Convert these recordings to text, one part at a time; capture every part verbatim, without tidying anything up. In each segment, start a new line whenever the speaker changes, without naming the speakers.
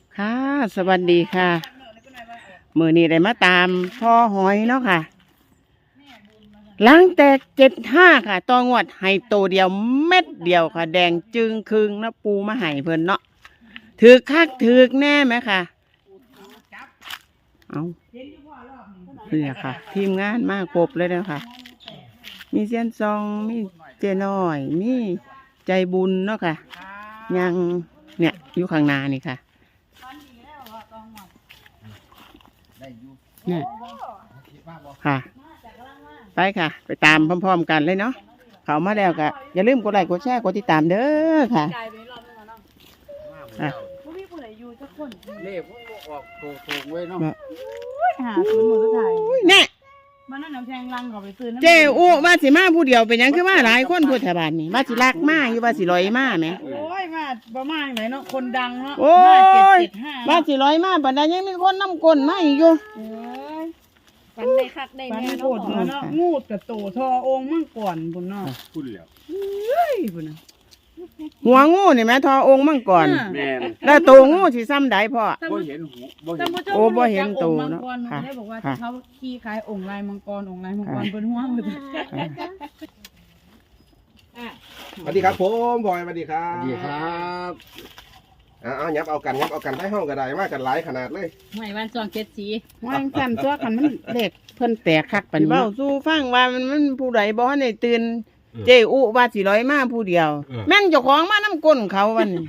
ค่ะสวัสดีค่ะมือนี้ได้มาตามพ่อหอยเนาะค่ะหลังแตกเจ็ดห้าค่ะตองวดให้โตเดียวเม็ดเดียวค่ะ แดงจึงคึงนะปูมาให้เพิ่นเนาะถือคักถือแน่ไหมค่ะเอาเนี่ยค่ะ ทีมงานมากครบเลยนะคะมีเซียนซองมีเจน้อยมีใจบุญเนาะค่ะยังเนี่ยอยู่ข้างหน้านี่ค่ะเนี่ยค่ะไปค่ะไปตามพร้อมๆกันเลยเนาะเขามาแล้วก็อย่าลืมกดไลค์กดแชร์กดติดตามเด้อค่ะอ่ะ
เล่พวกออกโตๆไว้เนาะ
หาซื้อมือถ่าย
เนี่ย
มันนั่นน้ำแทงลังเขาไปซื้อ
เจ้อู้ว่าสิมาผู้เดียวเป็นหยังคือว่าหลายคนพูดแถวบ้านนี่ว่าสิลักมาอยู่ว่าสิลอยมาไหม
โอ้ยมาประมาณไหนเนาะคนดังเนาะ
โอ้ย
เจ็ดห้า
ว่าสิลอยมาบัดนั้นยังมีคนนำกลมาอีกอยู่
เอ้ย
ปันได้คักได้
ปัน
แม่
โค
เนาะ
ตรเนาะงูดกับโตทอองค์มั่งก่อนบุญเนาะ
พูดแล้ว
เฮ้ยบุญนะ
หัวงูนี่แม่ทอองค์มั่งก่อน
แม่น
แล้วตัวงูสิซ้ำใดพ่อ
บ่เห็นหูบ่เห็
ท่าน
น
ผู้ชม
โอ้บ่เห็นโต
มัง
เนาะ
กร
ค่ะ
ได้บอกว่า
ค่ะ
เขาขี้คล้ายองค์ลายมังกรองค์ลายมังกรบนหัวมือ
อ่ะ
สวัสดีครับผมบอยสวัสดีครั
ส
บ
วัสดีครับ
เอาเอายับเอากันยับเอากันให้ห้องกระไดมากกันหลายขนาดเลย
หวยวันสองเจ็ดสี
ว่าสั่นตัวกันมันเด็กเพิ่นแตกคักปานนี้เบ้าสู้ฟังว่ามันมันผู้ใดบ่ทันได้ตื่นเจ้อุว่าสิลอยมาผู้เดียว แม่นเจ้าของมานํก้นเขาวันนี้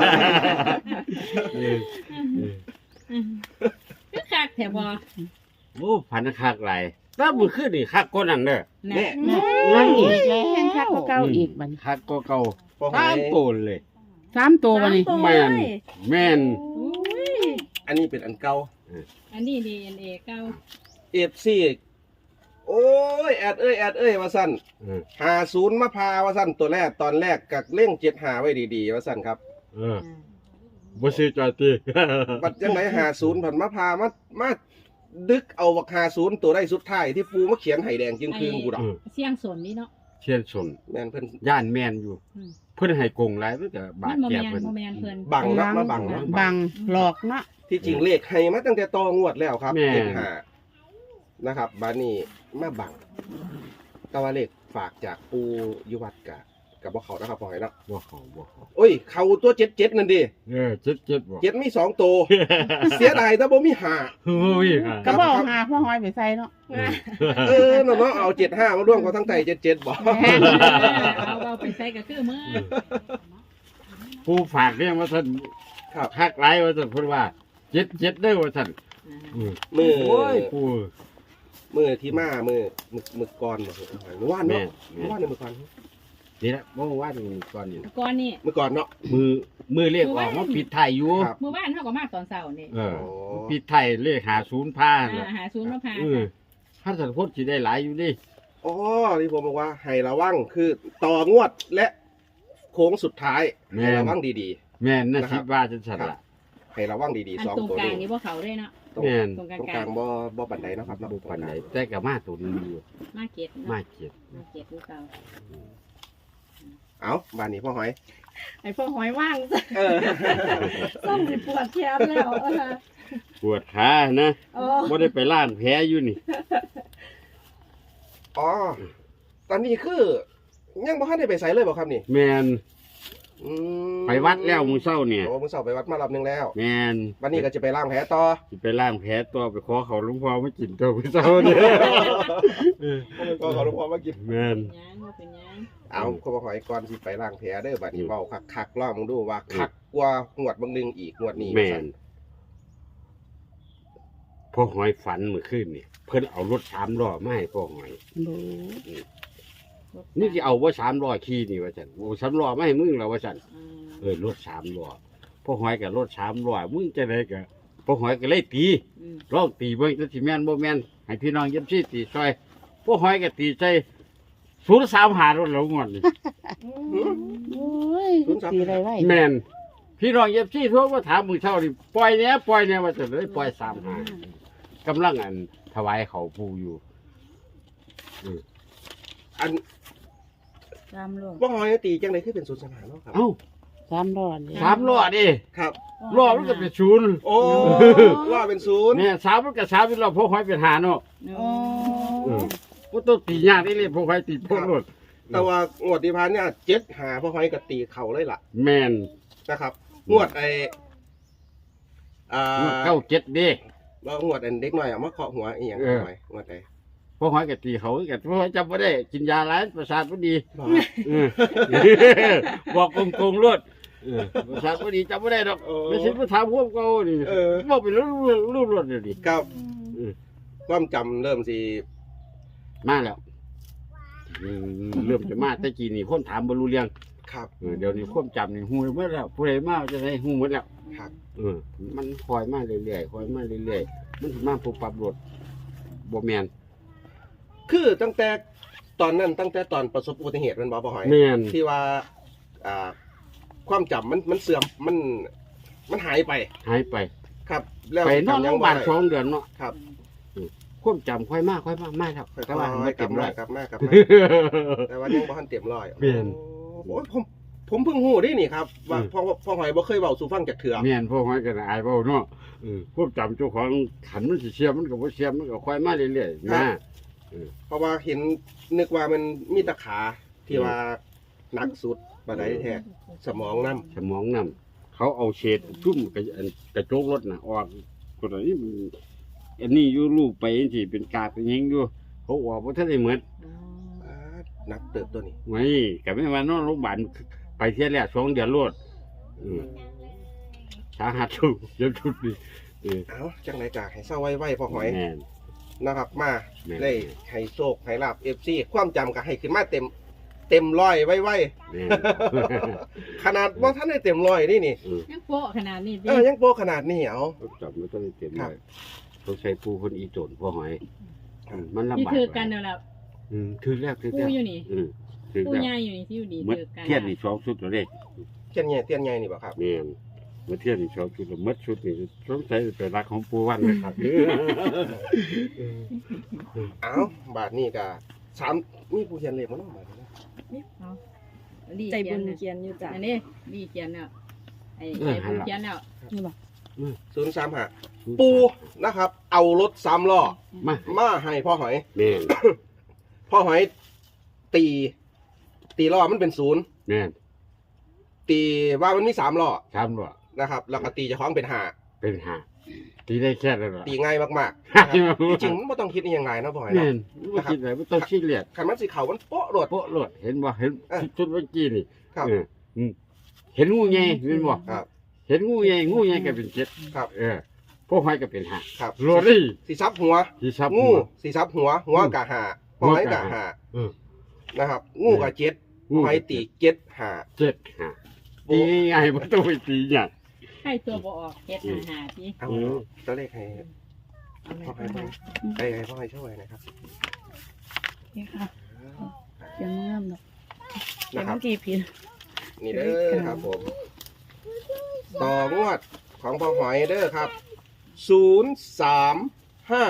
คือคักแถวบอ
โอ้พันคักหลายถ้ามือขึ้นนี่คักกว่านั้นเด้อ
เนี่ย
นั่นอีกแล้วแห้งคักกว่าเก่าอีกบัดนี้
คักกว่าเก่า
พอหอ
ตาม
ย
โตนเลย
สามตัวบัดนี้
แม่นแม่น
อุ้ย
อันนี้เป็นอันเก่า
อันนี้ดีอันเอเก้า
เอฟซีโอ้ยแอดเอ้ยแอดเอ้ยว่าสั้น
เออ
หาศูนย์มะพร้าวว่าสั้นตัวแรกตอนแรกกักเล่งเจ็ดหาไว้ดีๆว่าสั้นครับ
เออบ่ซื้อจอยติ
บัดยังไงหาศูนย์ผันมะพร้าวมามาดึกเอาบักหาศูนย์ตัวได้สุดท้ายที่ปูมาเขียนไห่แดงจึงคืนกูดอก
เออ
เสียงสนนี่เนาะ
เชียนสน
แม่นเพิ่น
ย่านแม่นอยู่
อืม
เพิ่นให้กงหลายเพิ่นก็บา
มั
ด
นโม
แก่
แมน
เพิ่น
โมแมนเพิ่น
บังเนาะมาบังเนาะ
บังหลอกเนาะ
ที่จริงเลขให้มาตั้งแต่ตองวดแล้วครับ
แม่
เจ็ดหานะครับบานี่มาบังแต่ว่าเลขฝากจากปูอยุวัดกะกับบ่เขานะครับพอให้เนาะ
บ่เข้าบ่เข้า
โอ้ย เขาตัวเจ็ดเจ็ดนั่นดิ
เออเจ็ดเจ็ดบ่
เจ็ดมีสองตัว เสียดายแต่บ่มีหา
โอ้ยค่ะ
ก็บอกหาพ่อหอยไปใส่เนาะ
เออเนาะเนาะเอาเจ็ดห้ามาร่วมกับทั้งไตเจ็ดเจ็ดบอก
เอาเอาไปใส่ก็คือมือ
ผู้ฝากเรียกว่าท่าน
ครับ
คักหลายว่าท่านเพิ่นว่าเจ็ดเจ็ดเด้อว่าท่านอืม
มือ
โอ้ยผู้
มือที่มามือมือมือก่อนบ่เมื่อวาน
แม่
เนาะ
แม่
เมื่อวานเนี่ยมือก่อน
นี่แหละเมื่อวานก่อนนี่
ก่อนนี่
มือก่อนเนาะ
มือมือเรียกออกมาปิดไทยอยู่
ครับ
เมื่อวานเท่ากับมากตอนเสาร์นี่
เออ
โอ้
ปิดไทยเลขหาศูนย์ผ้า
อ่า
น่ะ
หาศูนย์มาพา
เออถ้าสันพจน์สิได้หลายอยู่ดิ
อ๋อที่ผมบอกว่าให้ระวังคือต่องวดและโค้งสุดท้ายให้ระวังดี
แม่นนะ
นะครับ
คิดว่าจังซั่นล่ะ
ๆ ให้ระวังดี
อัน
ๆสอง
ตรง
ตัว
กลาง
นี้
นี่พวกเขาด้วยเนาะ
ตรง
แม่น
ตรงกลาง
ตรง
ก
ก
ลา
ลาง งบ่บ่บันไดเนาะครับเนาะ
บ่ปานใดแต่ก็มาตัวนึงอยู่
มาเก็ต
มา
เนาะ
เจ็ด
มาเก็ตพวกเขา
เอาบ้านนี้พ่อหอย
ไอ้พวกหอยว่าง
เออ
ส้มสิปวดแขนแล้วเออ
ปวดขานะ
โอ้
บ่ได้ไปล้างแผลอยู่นี่
อ๋อตอนนี้คือยังบ่ทันได้ไปไสเลยบ่ครับนี่
แม่น
อืม
ไปวัดแล้วมื้อเช้าเนี่ย
โอ้มื้อเช้าไปวัดมารอบนึงแล้ว
แม่น
วันนี้ก็จะไปล้างแผลต่อ
สิไปล้างแผลตัวไปขอเขาหลวงพ่อมากินตัวมื้อเช้าเนี่ยเออ
ก็ขอหลวงพ่อมากิน
แม่น
ยังว่าเป็นยัง
เอาก็บ่ขอยก่อนสิไปล้างแผลเด้อบัดนี้เว้าคักๆลองดูว่าคักกว่างวดบางนึงอีกงวดนี้
แม่นพ่อหอยฝันเมื่อคืนนี่เพิ่นเอารถสามล้อมาให้พ่อหอย นี่จะเอาว่าสามล้อขี่นี่ว่าจันโอ้สามล้อไม่ให้มึงแล้วว่าจัน
อืม
เออรถสามล้อพ่อหอยกับรถสามล้อมึงจะได้กับพ่อหอยก็เลยตี
อืม
ลองตีเบิ่งจะสิแม่นบ่แม่นให้พี่น้องเย็บซี่ตีซอยพ่อหอยก็ตีใจศูนย์สามหารถเรางอนนี่
โอ้ยสีอะไรไว้
แม่นพี่น้องเย็บซี่ทั่วมาถามมือเช่านี่ปล่อยเนี้ยปล่อยเนี้ยว่าจะเลยปล่อยสามหากำลังอันถวายเขาปูอยู่
อัน
ตามลง
บ่หอยตีจังได๋คือเป็นศูนย์สนามเนาะครับ
เอ้า
สามรอดเลย
สามล้อดิ
ครับ
ล้อมันก็เป็นศูนย์
โอ้ว่าเป็นศูนย์
เนี่ยสามมันก็สามเป็นล้อพวกหอยเป็นหาเนาะ
โอ้
เออบ่ต้องตียากนี่เลยพวกหอยตีพวกรถ
แต่ว่างวดที่ผ่านเนี่ยเจ็ดหาพ่อหอยกับตีเข่าเลยล่ะ
แม่น
นะครับงวดไออ่า
เก้าเจ็ดเด้
แล้วงวดอันเด็กหน่อยเอามาเคาะหัวอีหยัง
เออ
หน่อยงวดไหน
พวกหอยก็ตีเขากันพวกหอยจำบ่ได้กินยาหลายประสาทบ่ดีเออบอกโกงๆรถเออประสาทบ่ดีจำบ่ได้ดอกไม่ใช่มาถามพวกเก่านี่
เออ
บอกเป็นรูปรถเลยดิ
ครับ
เออ
ความจำเริ่มสิ
มาแล้วอืมเริ่มจะมาแต่กี้นี่คนถามบ่รู้เรื่อง
ครับ
เออเดี๋ยวนี้ความจำนี่ฮู้หมดแล้วผู้ใดมาจะได้ฮู้หมดแล้ว
ครับ
เออมันคอยมาเรื่อยๆคอยมาเรื่อยๆมันสิมาปุ๊บปั๊บรถบ่แม่น
คือตั้งแต่ตอนนั้นตั้งแต่ตอนประสบอุบัติเหตุแมันบ่พ่อหอย
แม่น
ที่ว่าอ่า ความจำมันมันเสื่อมมันมันหายไป
หายไป
ครับ แล้ว
ไปนอนโรงพยาบาล
จำยัง
ส
บ่
อง
ได้
เดือนเนาะ
ครับ
ความจำค่อยมากค่อยมากมากครับ
ค่อย
แต่ว่า
ๆ
ไม่
ก
เต็
ลับ
ม
มา
ร้อย
กลับมากลับมาแต่ว่ายังบ่ทันเต็มร้อย
แม่น
โอ้ยผมผมเพิ่งฮู้ได้นี่ครับว่า
อืม
พ่อพ่อหอยบ่เคยเว้าสู่ฟังจากเถื่อ
แม่นพวกมันก็อายเว้าเนาะเออความจำเจ้าของขันมันสิเสียมันก็บ่เสียมันก็ค่อยมาเรื่อยๆนะ
เพราะว่าเห็นนึกว่ามันมีตะขาที่ว่าหนักสุดบ่ได้แท้สมองนำ
สมองนำเขาเอาเศษชุ่มกระอันกระโจกรถน่ะออกคนอันนี้มันอันนี้อยู่รูปไปจังซี่เป็นกาเป็นหยังอยู่เขาออกบ่ทันได้เหมือน
อ่าหนักเติบตัวนี้
ไว้ก็ไม่ว่านอนโรงพยาบาลไปเที่ยแรกสองเดือนรวดอืมสาหัสชุดเจ็บชุดนี่เออ
เอ้าจังไดก็ให้เศร้าไว้ๆพ่อหอย
แม่น
นะครับมา
แม่น
ได้ให้โชคให้ลาบ เอฟ ซี ความจำก็ให้ขึ้นมาเต็มเต็มร้อยไว้
แม่น
ๆ ขนาดว่าท่านได้เต็มร้อยนี่นี่
เออ
ยังโป๊ะขนาดนี้ดิ
เออยังโปขนาดนี้เอา
จับไม่ต้องเต็ม
ครั
เล
บ
ยเขาใช้ปูคนอีโจนพ่อหอย
ครับ
อืมมันลำ
ที่
บาก
ถือกันเดี๋ยวแล้ว
อืมถือแล้วถือ
ปู
แล้ว
อยู่นี่
อืมถือ
ปู
แล้ว
ใหญ่อยู่นี่ที่อยู่นี่
เมื่อ
ถือกัน
เทียนนี่สองชุดตัวเลข
เทียนใหญ่เทียนใหญ่นี่บ่ครับ
แม่นเมื่อเทียนนี่สองชุดแล้วเมื่อชุดนี่สงสัยเป็นรักของปูวันนะครับ
เอาบาทนี้ก็สามมีผู้เขียนเลขมาเนาะบาทนี้เนาะ
เอาดี
ใจบุญ
เขี
เขี
ยน
ยนอยู่จ้ะ
อันนี้ดีเขียนแล้วไอ้ใจบุญเขียนแล้ว
นี่บอก
ศูนย์สามห้าปูนะครับ เอารถสามล้อ
มา
มาให้พ่อหอย
แม่น
พ่อหอยตี ตีล้อมันเป็นศูนย์
แม่น
ตีว่ามันมีสามล้อ
ทำบ่
นะครับ แล้วก็ตีเจะคล้าของเป็นห้า
เป็นหาตีได้แค่นั้นเหรอ
ตีง่ายมากๆนะครับจริงๆมันไม่ต้องคิดอหยังไงนะพ่อหอย
แม่
เนาะ
นไม่คิดอะไรไม่ต้องคิดเลียด
ขันมันสีเขามันโป๊ะโดด
โป๊ะโลดเห็นบ่เห็น
เออ
ชุดเมื่อกี้นี่
ครับ
เอออืมเห็นงูใหญ่เห็นบ่
ครับ
เห็นงูใหญ่งูใหญ่ก็เป็นเจ็ด
ครับ
เออพวกหอยก็เป็นหา
ครับ
โรลี่
สีซับหัว
ที่ซับ
งู
หัว
สีซับหัว หัวกะหาพ่อหอยกะหา
เออ
นะครับ งูกะเจ็ด
งู
พ่อหอยตีเจ็ดหา
เจ็ดหาตีง่ายๆไม่ต้องไปตีหยัง
ให้ตัวบ่ออกเฮ็ดหาหาที่
เอา
อืม
ตัวเลขให้
เอาไว้
พ่อหอย
ก่อน
ไปให้พ่อหอยช่วยนะครับ
นี่ค่ะเขียนงามเนาะเขีย
นะ
น
ครับ
เมื่อกี้ผิด
นี่เด้อครับผม ต่องวดของพ่อหอยเด้อครับ ศูนย์สามห้า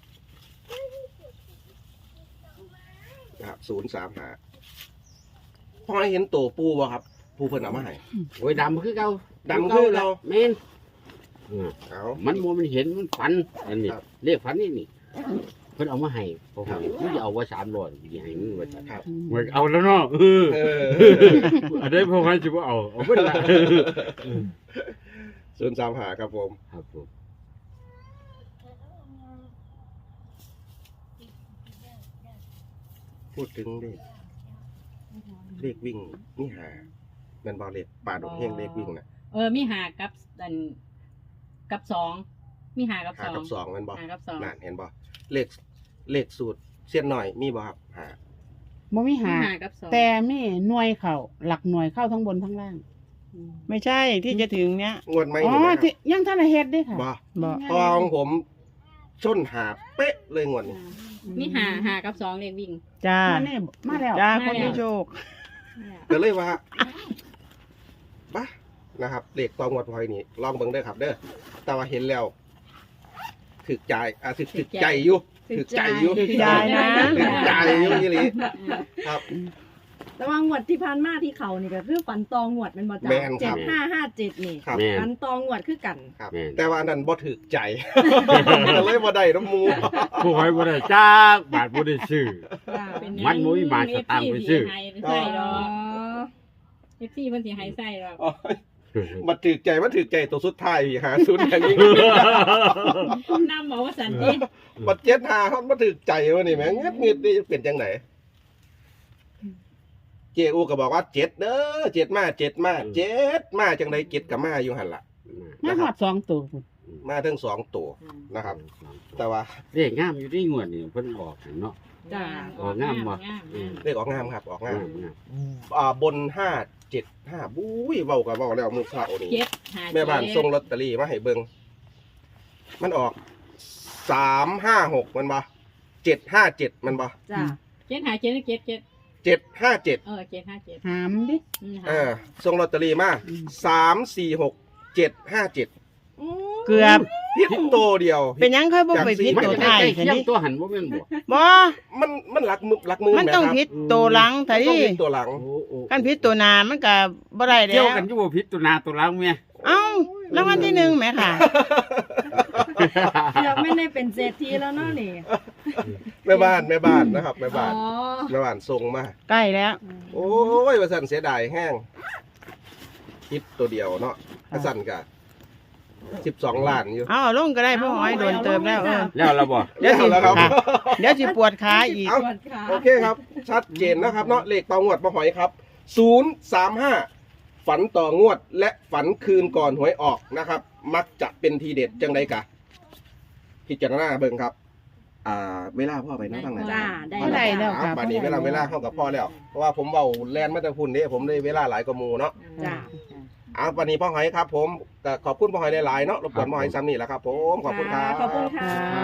นะครับศูนย์สามห้าพ่อหอยเห็นตัวปูบ่ครับ ปูเพิ่นเอามาให้
โอ้ยดำคือเก่า
ดำคือเก่า
แม่นเออ
เอา
มันบ่มันเห็นมันฝันอันนี้
ครับ
เรียกฝันนี่นี่เพิ่นเอามาให้พวก
ครั
ห
บ
อยมันจะเอาไว้สามร้อยสิให้มึงไว้
ครับ
เว้ยเอาแล้วเนาะเออ
เออ
อันนี้พวกมันจะบ่เอาเอาเพิ่นละ
ศูนย์สามห้าครับผม
ครับผม
พูดถึงเลขเลขวิ่งนี่หาแมันบอเลขป่าดงเฮงเลขวิ่งนะ
เออมีหากับอันกับสองมีหากับ
หา
สอง
กับสองแมันบอ
หากับสอง
นั่นเห็นบอเลขเลขสูตรเส้นหน่อยมีบอครับหา
บ่มี
มี
หา
หากับสอง
แต่มีหน่วยเข่าหลักหน่วยเข้าทั้งบนทั้งล่าง
อืม
ไม่ใช่ที่จะถึงเนี้ย
งวดไม่
อ๋อ
เห็นไหมค
ที่
รับ
ยังท่านได้เฮ็ดเด้ค่ะ
บอ
บอก
เพราะว่าของผมชนหาเป๊ะเลยงวดนี้
มีหาหากับสองเลขวิ่ง
จ้า
มาแน่มาแล้ว
จ้า
มา
คน
แล้ว
ที่โชค
ก็เลยว่าบ้านะครับเลขตองวดพอยนี่ลองเบิ่งเด้อครับ เด้อแต่ว่าเห็นแล้วถึกใจอ่ะถึกถึกใจอยู่ถึกใจอยู่
ถึกใจนะ
ถึกใจอยู่ยี่หลีครับ
แต่ว่างวดที่ผ่านมาที่เขานี่ก็คือฝันตองวดแมันบ่จ้ะ
แม่นค
เจ็
รั
ด
บ
ห้าห้าเจ็ดนี่
ครับ
แม่น
ฝันตองวดคือกัน
ครับ
แม่น
แต่ว่าอันนั้นบ่ถึกใจ ก็เลยบ่ได้น้ำหมู
ผู้หอยบ่ได้จักบาทบ่ได้ซื้อ
เป็น
มันบ่มีบาทสตางค์ไปซื้อ
ให้ใส่ด
อ๋
อ
อ
กเอฟซีเพิ่นสิให้ใส่ดอก
อ๋อมาถึกใจมาถึกใจตัวสุดท้ายอีกหาศูนย์อย่างนี้
นำบอกว่าสันติ
บัดเจ็ดหาเขามาถึกใจวะนี่แหม่งเงียบๆนี่จะเป็นจังไหนเจอูก็บอกว่าเจ็ดเด้อเจ็ดมาเจ็ดมาเจ็ดมาจังไดเจ็ดกับมาอยู่หันละ
มาหอดสองตัวพุ่น
มาทั้งสองตัวนะครับ แต่ว่า
เรียกงามอยู่ที่งวดนี่เพิ่นบอกเนาะ
จ้ะ
ออกงามบ่
งาม
อืม
เลขออกงามครับออกงาง
าม มงาม
อ่าบนห้าเจ็ดห้าบุ้ยเบากับเบาแล้วมือเช้านี่
เจ็ดหา
แม่บ้านส่งลอตเตอรี่มาให้เบิ่งมันออกสามห้าหกมันบ่เจ็ดห้าเจ็ดมันบ่
จ้ะ
เจ็ดหาเจ็ดเจ็ดเจ็ด
เจ็ดห้าเจ็ด
เออเจ็ดห้าเจ็ด
หามดิ
อืม
เออส่งลอตเตอรี่มาสามสี่หกเจ็ดห้าเจ็ด
อืม
เกือบ
พิษโตเดียว
เป็นหยังค่อยบ่ไปพิษ
มัน
ตัว
จะ
ท้าย
ใกล้
คัน
เคียง
นี้
ตัวหันบ่แม่นบ่
บ่
มันมันหลักมือหลักมือ
มันต้อง
แครับ
พิษตัวหลังไถ
มันต้องพิษตัวหลัง
โอ้โอ้
กันพิษตัวหน้ามันก็บ่ได้แล้
เกี่ยว
ว
กันอยู่บ่ผิดตัวหน้าตัวหลังแม่
เอ้าแล้ววันที่หนึ่งแหมค่ะ
เดี๋ยวไม่ได้เป็นเศรษฐีแล้วเนาะนี่
แม่บ้านแม่บ้านนะครับแม่
อ๋
บ้าน
อ
แม่บ้านส่งมา
ใกล้แล้ว
โอ้ยว่าสั่นเสียดายแห้งคิดตัวเดียวเนาะว่าสั่นกะสิบสองล้านอยู่
เอาลงก็ได้พ่อหอยโดนเติมแล้วเออ
แล้วเราบ่
เดี๋ยวสิ
แล้วครับ
ค่ะเดี๋ยวสิปวดขาอีก
เอ้า
ปวดขา
โอเคครับ ชัดเจนนะครับเนาะเลขต่องวดมาหอยครับศูนย์สามห้าฝันต่องวดและฝันคืนก่อนหวยออกนะครับ มักจะเป็นทีเด็ดจังไดกะ พิจารณาเบิ่งครับ อ่าเวลาพ่อไปเนาะทางไหน
จ้าได้
บ่ได้แล้ว
อ่าบัดนี้เวลาเวลาเข้ากับพ่อแล้ว เพราะว่าผมเบาแลนมาแต่พุ่นนี่ผมได้เวลาหลายกว่าหมูเนาะ
จ้า
อ่าวันนี้พ่อหอยครับ ผมก็ขอบคุณพ่อหอยหลายๆเนาะรบกวนพ่อหอยซ้ำนี่แหละครับ ผมขอบคุณครับ
ขอบคุณค่ะ